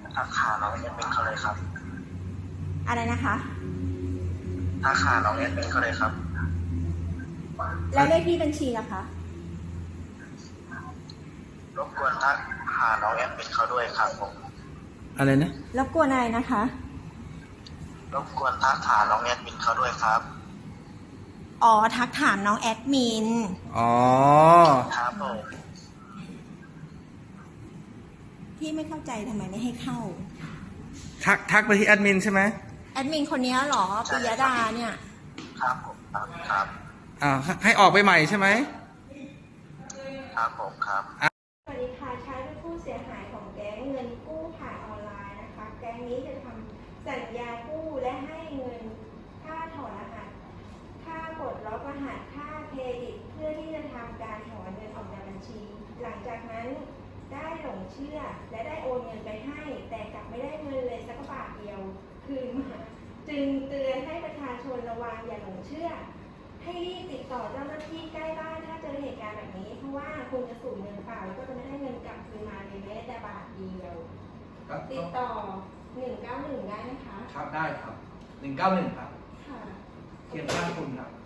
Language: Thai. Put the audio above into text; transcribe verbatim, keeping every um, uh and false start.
ทักขาน้องแอดมินเขาเลยครับอะไรนะคะทักขาน้องแอดมินเขาเลยครับแล้วเลขที่บัญชีล่ะคะรบกวนทักหาน้องแอดมินเขาด้วยครับผมอะไรนะรบกวนอะไรนะคะรบกวนทักหาน้องแอดมินเขาด้วยครับอ๋อทักถามน้องแอดมินอ๋อครับผมพี่ไม่เข้าใจทำไมไม่ให้เข้าทักทักไปที่แอดมินใช่ไหมแอดมินคนนี้เหรอปิยดาเนี่ยครับผมครับครับอ่าให้ออกไปใหม่ใช่ไหมครับผมครับสวัสดีค่ะใช้เป็นผู้เสียหายของแก๊งเงินกู้ผ่านออนไลน์นะคะแก๊งนี้จะทำสัญญากู้และให้เงินค่าถอนรหัสค่ากดล็อกรหัสค่าเครดิตเพื่อที่จะทำการถอนเงินออกจากบัญชีหลังจากนั้นได้หลงเชื่อและได้โอนเงินไปให้แต่กลับไม่ได้เงินเลยสักบาทเดียวคืนมาจึงเตือนให้ประชาชนระวังอย่าหลงเชื่อให้รีบติดต่อเจ้าหน้าที่ใกล้บ้านถ้าเจอเหตุการณ์แบบนี้เพราะว่าคุณจะสูญเงินเปล่าแล้วก็จะไม่ได้เงินกลับคืนมาเลยแม้แต่บาทเดียวติดต่อหนึ่งเก้าหนึ่งได้ไหมคะครับได้ครับหนึ่งเก้าหนึ่งครับค่ะเคียงข้างคุณครับ